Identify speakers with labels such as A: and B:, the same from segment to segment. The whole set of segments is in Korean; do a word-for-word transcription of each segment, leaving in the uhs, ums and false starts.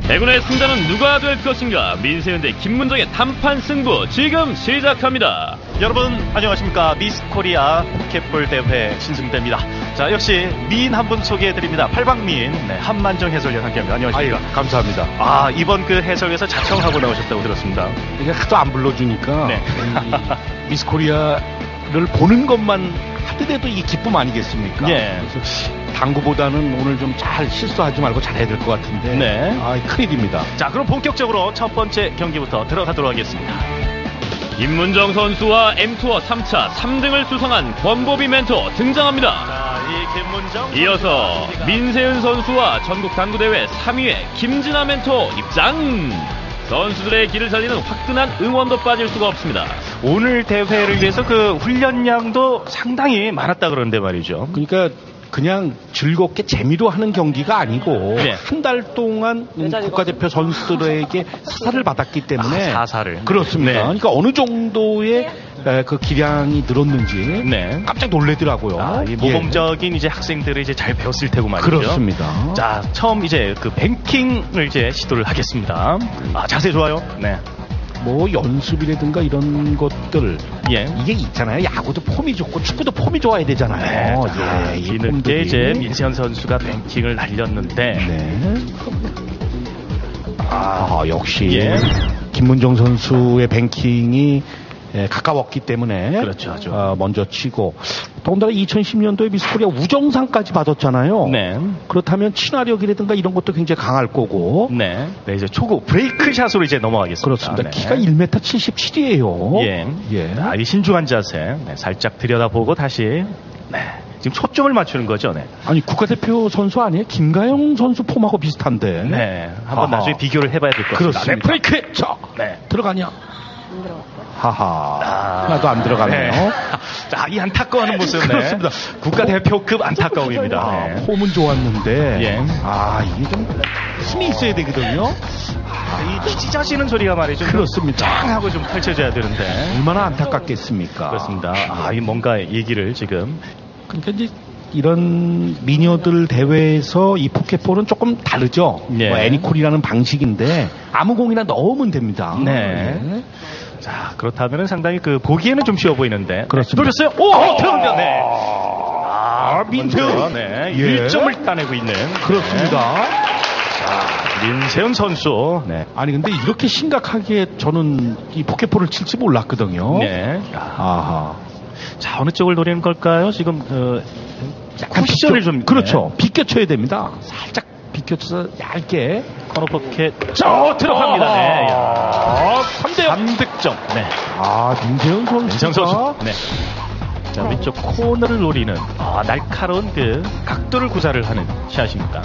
A: 대군의 승자는 누가 될 것인가? 민세현 대 김문정의 단판 승부 지금 시작합니다.
B: 여러분 안녕하십니까? 미스코리아 포켓볼 대회 신승대입니다. 자, 역시 미인 한 분 소개해드립니다. 팔방미인 네, 한만정 해설위원 함께합니다. 안녕하십니까?
C: 아유, 감사합니다.
B: 아, 이번 그 해설에서 자청하고 나오셨다고 들었습니다.
C: 이게 하도 안 불러주니까
B: 네.
C: 미스코리아를 보는 것만 하더라도 이게 기쁨 아니겠습니까?
B: 예.
C: 그래서 당구보다는 오늘 좀 잘 실수하지 말고 잘해야 될 것 같은데.
B: 네.
C: 아, 큰일입니다.
B: 자, 그럼 본격적으로 첫 번째 경기부터 들어가도록 하겠습니다.
A: 김문정 선수와 엠투어 삼 차 삼 등을 수상한 권보비 멘토 등장합니다.
B: 자, 이 김문정
A: 이어서 민세은 선수와 전국 당구대회 삼 위의 김진아 멘토 입장. 선수들의 길을 살리는 화끈한 응원도 빠질 수가 없습니다.
B: 오늘 대회를 위해서 그 훈련량도 상당히 많았다 그러는데 말이죠.
C: 그러니까 그냥 즐겁게 재미로 하는 경기가 아니고
B: 네.
C: 한 달 동안 국가대표 선수들에게 사사를 받았기 때문에
B: 아, 사사를.
C: 그렇습니다.
B: 네.
C: 그러니까 어느 정도의 에, 그 기량이 늘었는지
B: 네.
C: 깜짝 놀래더라고요.
B: 아, 이 모범적인 이제 학생들을 이제 잘 배웠을 테고 말이죠.
C: 그렇습니다.
B: 자, 처음 이제 그 뱅킹을 이제 시도를 하겠습니다. 아, 자세 좋아요. 네.
C: 뭐 연습이라든가 이런 것들
B: 예.
C: 이게 있잖아요. 야구도 폼이 좋고 축구도 폼이 좋아야 되잖아요.
B: 네. 자,
C: 예, 이
B: 뒤늦게
C: 폼들이.
B: 이제 민세현 선수가 뱅킹을 날렸는데.
C: 네. 아, 역시
B: 예.
C: 김문정 선수의 뱅킹이 예, 가까웠기 때문에
B: 그렇죠, 아주.
C: 어, 먼저 치고 더군다나 이천십 년도에 미스코리아 우정상까지 받았잖아요.
B: 네.
C: 그렇다면 친화력이라든가 이런 것도 굉장히 강할 거고.
B: 네. 네, 이제 초구 브레이크 샷으로 이제 넘어가겠습니다.
C: 그렇습니다.
B: 네.
C: 키가 일 미터 칠십칠이에요.
B: 예.
C: 예.
B: 아, 이 신중한 자세. 네, 살짝 들여다보고 다시. 네. 지금 초점을 맞추는 거죠. 네.
C: 아니 국가대표 선수 아니에요? 김가영 선수 폼하고 비슷한데.
B: 네. 한번
C: 하하.
B: 나중에 비교를 해봐야 될 것 같습니다.
C: 그렇습니다.
B: 네, 브레이크!
C: 자,
B: 네.
C: 들어가냐?
D: 안 들어갔어요.
C: 하하.
B: 아.
C: 하나도 안 들어가네요.
B: 네. 자, 이 안타까워하는 모습. 네.
C: 그렇습니다.
B: 국가대표급 안타까움입니다.
C: 아,
B: 네.
C: 폼은 좋았는데.
B: 예.
C: 아, 이게 좀 힘이 있어야 되거든요.
B: 아, 이 찢어지는 소리가 말이죠.
C: 그렇습니다.
B: 짱 하고 좀 펼쳐져야 되는데.
C: 얼마나 안타깝겠습니까?
B: 그렇습니다. 아, 이 뭔가 얘기를 지금.
C: 그러니까 이제 이런 미녀들 대회에서 이 포켓볼은 조금 다르죠.
B: 예.
C: 뭐 애니콜이라는 방식인데 아무 공이나 넣으면 됩니다.
B: 네.
C: 예.
B: 자, 그렇다면 상당히 그 보기에는 좀 쉬워 보이는데.
C: 그렇습니다.
B: 노렸어요? 오! 어, 들어갑니다. 네.
C: 아, 민세훈.
B: 네.
C: 예.
B: 일 점을 따내고 있는.
C: 그렇습니다.
B: 네. 자, 민세훈 선수. 네.
C: 아니 근데 이렇게 심각하게 저는 이 포켓볼을 칠지 몰랐거든요.
B: 네.
C: 아하.
B: 자, 어느 쪽을 노리는 걸까요? 지금 그
C: 약간
B: 쿠션을
C: 비껴-
B: 좀
C: 그렇죠. 비껴쳐야 됩니다. 살짝 비껴쳐서 얇게.
B: 코너 포켓. 저 들어갑니다. 네. 야.
C: 삼 대
B: 삼 득점. 네.
C: 아, 민세훈 선수.
B: 민세훈 선수. 네. 자, 왼쪽 코너를 노리는 아, 날카로운 그 각도를 구사를 하는 샷입니다.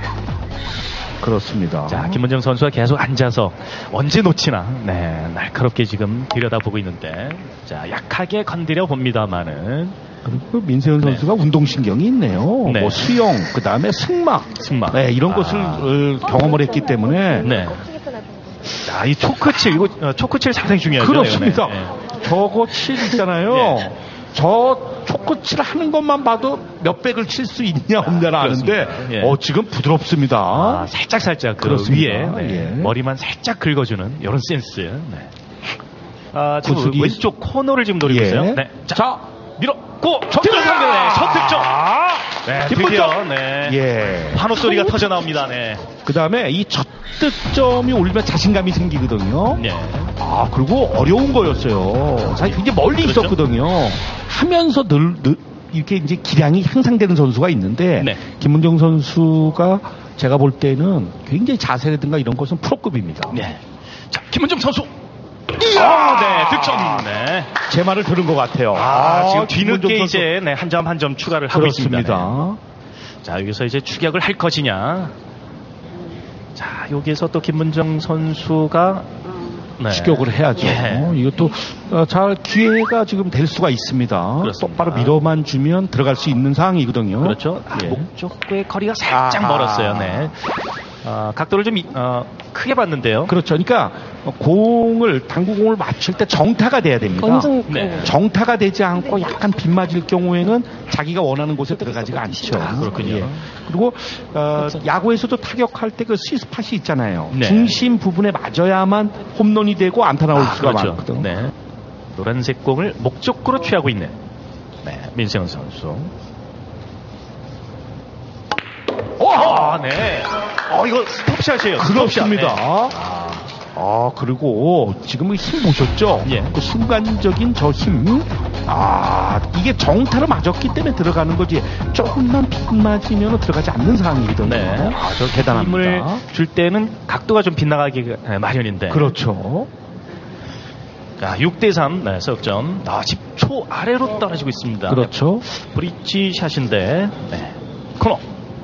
C: 그렇습니다.
B: 자, 김문정 선수가 계속 앉아서 언제 놓치나, 네, 날카롭게 지금 들여다보고 있는데, 자, 약하게 건드려 봅니다만은,
C: 그리고 민세훈
B: 네.
C: 선수가 운동신경이 있네요.
B: 네.
C: 뭐 수영, 그 다음에 승마.
B: 승마.
C: 네, 이런
B: 아.
C: 것을 어, 경험을 했기 때문에.
B: 네. 자, 이 초크칠, 이거, 어, 초크칠 상당히 중요하죠.
C: 그렇습니다.
B: 네, 네.
C: 저거 칠 있잖아요.
B: 예.
C: 저 초코칠 하는 것만 봐도 몇 백을 칠 수 있냐 없냐를 아는데,
B: 그렇습니다. 예.
C: 어, 지금 부드럽습니다.
B: 아, 살짝 살짝 그
C: 그렇습니다.
B: 위에 네,
C: 예.
B: 머리만 살짝 긁어주는 이런 센스. 네. 아, 지금
C: 구슬이-
B: 왼쪽 코너를 지금 노리고
C: 예.
B: 있어요. 네. 자,
C: 자,
B: 밀었고 들어갑니다. 네, 첫 득점. 네,
C: 기쁜
B: 드디어
C: 점.
B: 네.
C: 예.
B: 환호 소리가 터져 나옵니다. 네.
C: 그 다음에 이 첫 득점이 올리면 자신감이 생기거든요.
B: 네.
C: 아, 그리고 어려운 거였어요. 사실 굉장히 멀리
B: 그렇죠?
C: 있었거든요. 하면서 늘, 늘, 이렇게 이제 기량이 향상되는 선수가 있는데,
B: 네.
C: 김문정 선수가 제가 볼 때는 굉장히 자세라든가 이런 것은 프로급입니다.
B: 네. 자, 김문정 선수. 아, 네, 득점. 네.
C: 제 말을 들은 것 같아요.
B: 아, 지금
C: 김문정
B: 뒤늦게
C: 선수.
B: 이제 네, 한 점 한 점 추가를 하고 있습니다.
C: 그렇습니다.
B: 네. 자, 여기서 이제 추격을 할 것이냐. 자, 여기에서 또 김문정 선수가 네.
C: 추격을 해야죠.
B: 예.
C: 이것도 어, 잘 기회가 지금 될 수가 있습니다.
B: 그렇습니다.
C: 똑바로 밀어만 주면 들어갈 수 있는 상황이거든요.
B: 그렇죠. 아,
C: 예.
B: 목적과의 거리가 살짝
C: 아하.
B: 멀었어요. 네. 어, 각도를 좀 이- 어, 크게 봤는데요.
C: 그렇죠. 그러니까 공을 당구공을 맞출 때 정타가 돼야 됩니다.
D: 완전
A: 네.
C: 정타가 되지 않고 약간 빗맞을 경우에는 자기가 원하는 곳에 들어가지가 않죠.
A: 아, 그렇군요.
C: 예. 그리고 어, 야구에서도 타격할 때 그 스윗스팟이 있잖아요.
A: 네.
C: 중심 부분에 맞아야만 홈런이 되고 안타 나올
A: 아,
C: 수가
A: 그렇죠.
C: 많거든.
B: 네. 노란색 공을 목적구로 취하고 있는 네, 민세훈 선수. 오! 아, 네. 어, 이거 스톱샷이에요.
C: 그렇습니다.
B: 스톱샷. 네.
C: 아, 그리고 지금 힘 보셨죠?
B: 예.
C: 그 순간적인 저 힘. 아, 이게 정타로 맞았기 때문에 들어가는 거지. 조금만 빗맞으면 들어가지 않는 상황이거든요.
B: 네.
C: 아, 저 대단합니다.
B: 힘을 줄 때는 각도가 좀 빗나가기 마련인데.
C: 그렇죠.
B: 자, 육 대 삼, 네, 석점. 아, 십 초 아래로 떨어지고 있습니다.
C: 그렇죠.
B: 브릿지 샷인데, 네. 코너.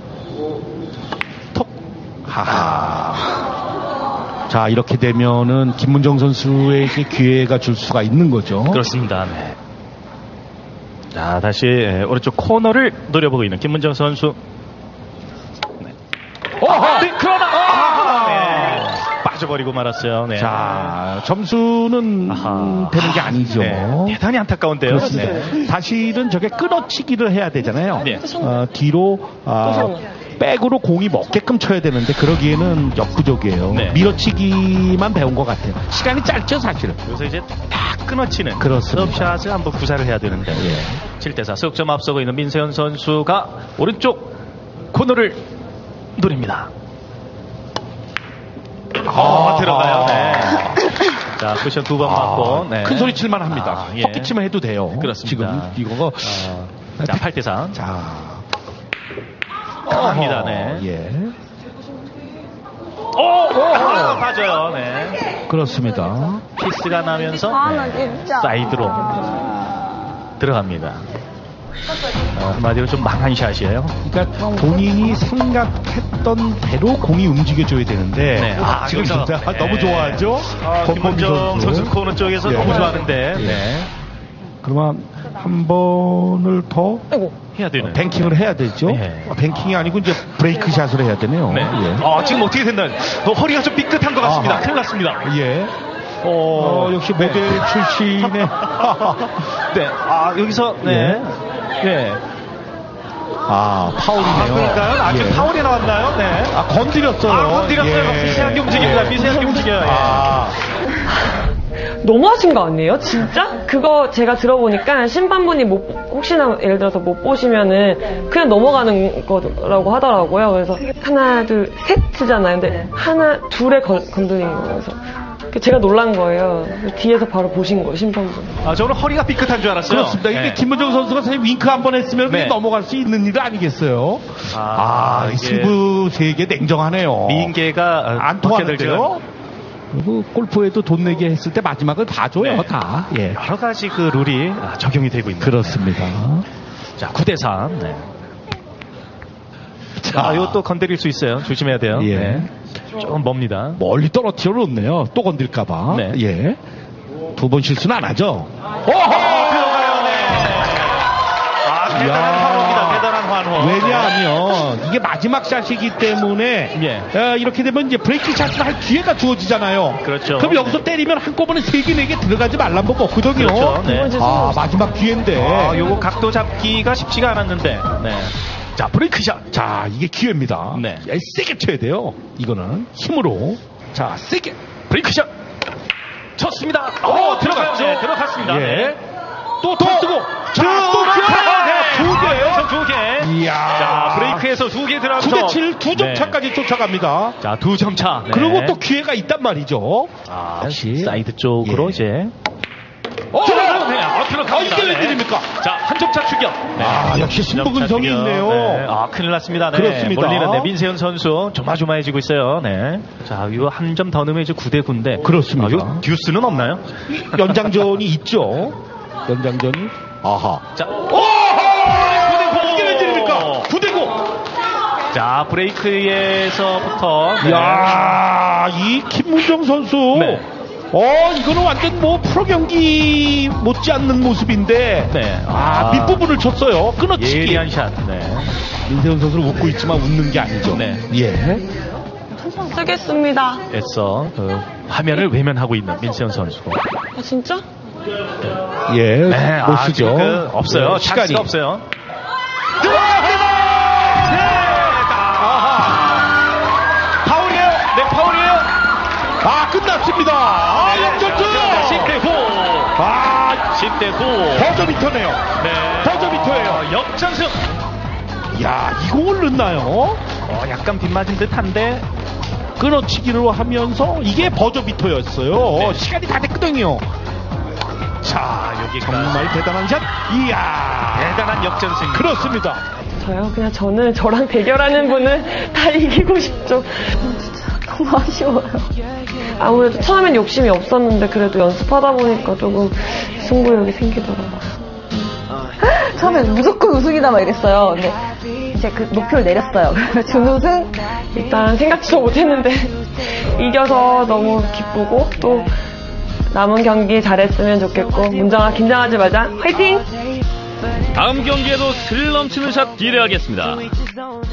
B: 톡. 하하.
C: 자, 이렇게 되면은 김문정 선수에게 기회가 줄 수가 있는 거죠.
B: 그렇습니다. 네. 자, 다시 오른쪽 코너를 노려보고 있는 김문정 선수. 네.
C: 어허!
B: 네, 그러나 아, 네. 빠져버리고 말았어요. 네.
C: 자, 점수는
B: 아하.
C: 되는 게 아니죠.
B: 네. 대단히 안타까운데요.
C: 그렇습니다.
B: 네.
C: 사실은 저게 끊어치기를 해야 되잖아요.
B: 네.
C: 어, 뒤로 아, 백으로 공이 먹게끔 쳐야 되는데 그러기에는 역부족이에요.
B: 네.
C: 밀어치기만 배운 것 같아요. 시간이 짧죠, 사실은.
B: 그래서 이제 딱 끊어치는
C: 그렇습니다.
B: 서브샷을 한번 구사를 해야 되는데
C: 예.
B: 칠 대 사 석점 앞서고 있는 민세현 선수가 오른쪽 코너를 노립니다. 어,
C: 아,
B: 들어가요. 네. 자, 쿠션 두 번 맞고 네.
C: 큰 소리 칠만 합니다.
B: 아, 예.
C: 헛기치만 해도 돼요.
B: 그렇습니다.
C: 지금 이거
B: 어, 자, 팔 대 사.
C: 자,
B: 합니다. 네.
C: 예.
B: 오! 아, 맞아요. 네.
C: 그렇습니다.
B: 키스가 나면서 네. 사이드로 들어갑니다. 어, 한마디로 좀 망한 샷이에요.
C: 그러니까 본인이 생각했던 대로 공이 움직여줘야 되는데
B: 네.
C: 아, 지금
B: 여기서,
C: 진짜
B: 네.
C: 너무 좋아하죠.
B: 아,
C: 권범기
B: 김문정 선수 코너 쪽에서
C: 예.
B: 너무 좋아하는데
C: 예.
B: 네.
C: 그러면 한 번을 더
B: 해야 되는
C: 뱅킹을 해야 되죠.
B: 네.
C: 어, 뱅킹이 아니고 이제 브레이크 샷을 해야 되네요.
B: 네.
C: 예.
B: 아, 지금 어떻게 된다? 어, 허리가 좀 삐끗한 것 같습니다.
C: 아하.
B: 큰일 났습니다.
C: 예.
B: 어,
C: 어, 역시 모델 출신의
B: 네. 아, 여기서 네. 네.
C: 아, 파울이네요.
B: 아, 그러니까요? 아, 지금
C: 예.
B: 파울이 나왔나요? 네.
C: 아, 건드렸어요.
B: 아, 건드렸어요.
C: 예.
B: 미세하게 움직입니다. 미세하게 움직여요. 예.
C: 아,
D: 너무하신 거 아니에요? 진짜? 그거 제가 들어보니까 심판분이 못, 혹시나 예를 들어서 못 보시면은 그냥 넘어가는 거라고 하더라고요. 그래서 하나, 둘, 셋이잖아요. 근데 하나, 둘에 건, 건드린 거예요. 그래서 제가 놀란 거예요. 뒤에서 바로 보신 거예요, 심판분.
B: 아, 저는 허리가 삐끗한 줄 알았어요.
C: 그렇습니다. 이게
B: 네.
C: 김문정 선수가 사실 윙크 한 번 했으면 그게
B: 네.
C: 넘어갈 수 있는 일 아니겠어요?
B: 아,
C: 아, 이
B: 이게
C: 승부 세계 냉정하네요.
B: 미인계가
C: 안 통하는데요? 그리고 골프에도 돈 내게 했을 때 마지막을 봐줘요,
B: 네.
C: 다. 예.
B: 여러 가지 그 룰이 아, 적용이 되고 있는.
C: 그렇습니다.
B: 자, 구 대 삼. 네. 자, 이거 또 건드릴 수 있어요. 조심해야 돼요.
C: 예.
B: 네. 조금 멉니다.
C: 멀리 떨어뜨려 놓네요. 또 건들까봐.
B: 네.
C: 예. 두 번 실수는 안 하죠.
B: 오호! 들어가요, 네. 아, 대단한
C: 이야.
B: 환호입니다. 대단한 환호.
C: 왜냐하면 이게 마지막 샷이기 때문에
B: 예.
C: 어, 이렇게 되면 이제 브레이크 샷을 할 기회가 주어지잖아요.
B: 그렇죠.
C: 그럼 여기서 때리면 한꺼번에 세 개, 네 개 들어가지 말란 법 없거든요.
B: 그렇죠. 네.
C: 아, 마지막 기회인데.
B: 아, 요거 각도 잡기가 쉽지가 않았는데. 네. 자, 브레이크샷.
C: 자, 이게 기회입니다.
B: 네.
C: 야, 세게 쳐야 돼요. 이거는 힘으로. 자, 세게.
B: 브레이크샷. 쳤습니다. 오, 들어갔죠. 네, 들어갔습니다.
C: 예.
B: 네.
C: 또 더 쓰고. 자, 또 기회가 네, 두 개예요.
B: 두 개.
C: 이야.
B: 자, 브레이크에서 두 개 들어가면서
C: 구 대 칠, 두 점
B: 네.
C: 차까지 쫓아갑니다.
B: 자, 두 점 차. 네.
C: 그리고 또 기회가 있단 말이죠.
B: 아,
C: 다시.
B: 사이드 쪽으로
C: 예.
B: 이제
C: 어,
B: 들어가요. 네. 아, 들어갑니다.
C: 아, 이게 웬일입니까?
B: 자, 한 점 차 추격. 네.
C: 아, 역시 신부근성이
B: 점 차 추격.
C: 있네요.
B: 네. 아, 큰일 났습니다. 네.
C: 그렇습니다.
B: 몰리는 네, 민세현 선수 조마조마해지고 있어요. 네. 자, 이거 한 점 더 넣으면 이제 구 대 구인데.
C: 그렇습니다.
B: 아, 이거 듀스는 없나요?
C: 연장전이 있죠. 연장전이. 아하.
B: 자,
C: 오호! 구 대 구! 이게 웬일입니까? 구 대 구!
B: 자, 브레이크에서부터. 네.
C: 이야, 이 김문정 선수.
B: 네.
C: 어, 이거는 완전 뭐 프로 경기 못지않는 모습인데.
B: 네.
C: 아,
B: 아.
C: 밑부분을 쳤어요. 끊어치기.
B: 예리한 샷. 네.
C: 민세훈 선수는 웃고 있지만 웃는 게 아니죠.
B: 네.
C: 예.
D: 쓰겠습니다.
B: 애써 그 화면을 외면하고 있는 민세현 선수.
D: 아, 진짜?
C: 예,
B: 네,
C: 못
B: 아,
C: 쓰죠.
B: 지금 그 없어요.
C: 네, 시간이
B: 시간이 없어요. 파울이에요. 네, 파울이에요.
C: 아, 끝났습니다. 아, 역전승.
B: 십 대 구.
C: 아,
B: 십 대 구.
C: 버저비터네요.
B: 네.
C: 버저비터예요.
B: 어, 역전승.
C: 야, 이 공을 넣나요?
B: 어, 약간 빗맞은 듯한데.
C: 끊어치기로 하면서 이게 버저비터였어요.
B: 네.
C: 시간이 다 됐거든요.
B: 자, 여기까지.
C: 정말 대단한 샷. 이야,
B: 대단한 역전승.
C: 그렇습니다.
D: 저요? 그냥 저는 저랑 대결하는 분은 다 이기고 싶죠. 진짜 너무 아쉬워요. 아무래도 처음엔 욕심이 없었는데 그래도 연습하다 보니까 조금 승부욕이 생기더라고요.
E: 처음에 무조건 우승이다 막 이랬어요. 근데 이제 그 목표를 내렸어요. 준우승?
D: 일단 생각지도 못했는데 이겨서 너무 기쁘고 또 남은 경기 잘했으면 좋겠고 문정아 긴장하지 말자. 화이팅!
A: 다음 경기에도 스릴 넘치는 샷 기대하겠습니다.